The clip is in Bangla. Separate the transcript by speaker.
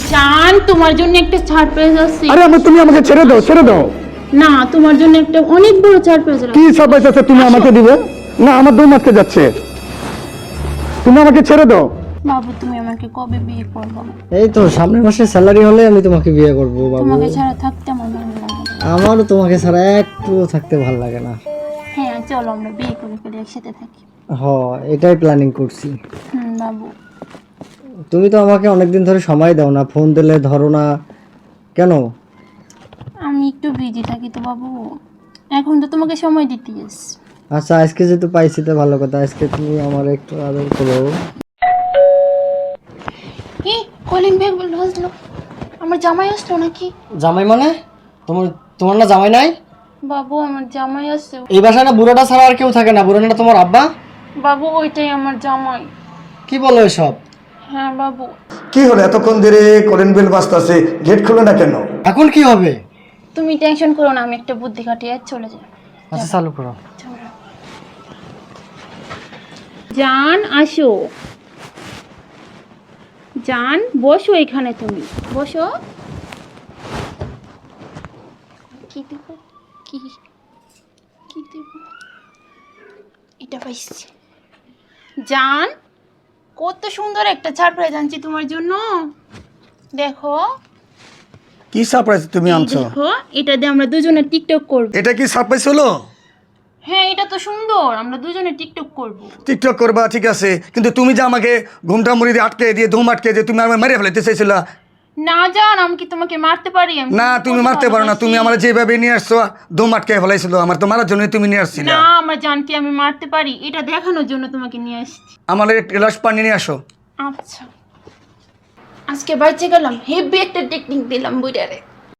Speaker 1: জান তোমার জন্য একটা সারপ্রাইজ আছে।
Speaker 2: আরে তুমি আমাকে ছেড়ে দাও, ছেড়ে দাও।
Speaker 1: না, তোমার জন্য একটা অনেক বড় সারপ্রাইজ আছে।
Speaker 2: কি সারপ্রাইজ আছে তুমি আমাকে দিবে? না, আমার দম আটকে যাচ্ছে। তুমি আমাকে ছেড়ে দাও।
Speaker 1: বাবু তুমি আমাকে কবে বিয়ে করবে?
Speaker 3: এই তো সামনের মাসে স্যালারি হলে আমি তোমাকে বিয়ে করব বাবু।
Speaker 1: তোমাকে ছাড়া থাকতে আমার ভালো লাগে না।
Speaker 3: আমারও তোমাকে ছাড়া একটুও থাকতে ভালো লাগে না।
Speaker 1: হ্যাঁ চলো আমরা বিয়ে করে ফেলে একসাথে থাকি।
Speaker 3: এটাই প্ল্যানিং করছি।
Speaker 1: বাবু
Speaker 3: তুমি তো আমাকে অনেকদিন ধরে সময় দাও না, ফোন দিলে ধরো না কেন?
Speaker 1: আমি একটু বিজি থাকি তো বাবু, এখন তো তোমাকে সময় দিতে গেছি।
Speaker 3: আচ্ছা আজকে যেহেতু পাইছি তো ভালো কথা, আজকে তুমি আমার একটু আদর করো।
Speaker 1: কি কলিং বেল বাজলো? আমার জামাই আসলো নাকি?
Speaker 3: জামাই মানে? তোমার না জামাই নাই?
Speaker 1: বাবু আমার জামাই আসছে।
Speaker 3: এই বাসায় না বুড়োটা ছাড়া আর কেউ থাকে না? বুড়োটা তোমার আব্বা?
Speaker 1: বাবু ওইটাই আমার জামাই।
Speaker 3: কি বলো এসব?
Speaker 1: হ্যাঁ বাবু।
Speaker 2: কি হলো এতক্ষণ ধরে কলিং বেল বাজতেছে, গেট খুলে না কেন?
Speaker 3: এখন কি হবে?
Speaker 1: তুমি টেনশন করো না, আমি একটা বুদ্ধি খাটিয়ে চলে যাই।
Speaker 3: আচ্ছা চালু করো।
Speaker 1: জান আসো, জান বসো এখানে, তুমি বসো। কি দিব? কি কি দিব? এটা পাইছি। জান কত সুন্দর একটা সারপ্রাইজ আনছি তোমার জন্য, দেখো।
Speaker 2: কি সারপ্রাইজ তুমি
Speaker 1: এই
Speaker 2: আনছো?
Speaker 1: দেখো, এটা দিয়ে আমরা দুজনে টিকটক করব।
Speaker 2: এটা কি সারপ্রাইজ হলো?
Speaker 1: হ্যাঁ এটা তো সুন্দর, আমরা দুজনে টিকটক করব।
Speaker 2: টিকটক করবা ঠিক আছে, কিন্তু তুমি যে আমাকে ঘুমটা মুড়ি দিয়ে আটকে দিয়ে ধুম আটকে দিয়ে তুমি আমাকে মেরে ফেলতে চাইছিলা।
Speaker 1: না জান, আমি কি তোমাকে মারতে পারি? আমি
Speaker 2: না তুমি
Speaker 1: কত
Speaker 2: মারতে পারো না,
Speaker 1: ভালোবাসি।
Speaker 2: তুমি আমার যেভাবে নিয়ে আসছো ধুম আটকে ফেলাইছিল, আমার তো মারার জন্য তুমি নিয়ে আসছিলে।
Speaker 1: না আমার জানকে আমি মারতে পারি, এটা দেখানোর জন্য তোমাকে নিয়ে আসছি।
Speaker 2: আমার এক গ্লাস পানি নিয়ে আসো।
Speaker 1: আচ্ছা আজকে বাইচে গেলাম, হেভি একটা টেকনিক দিলাম বুড়ারে।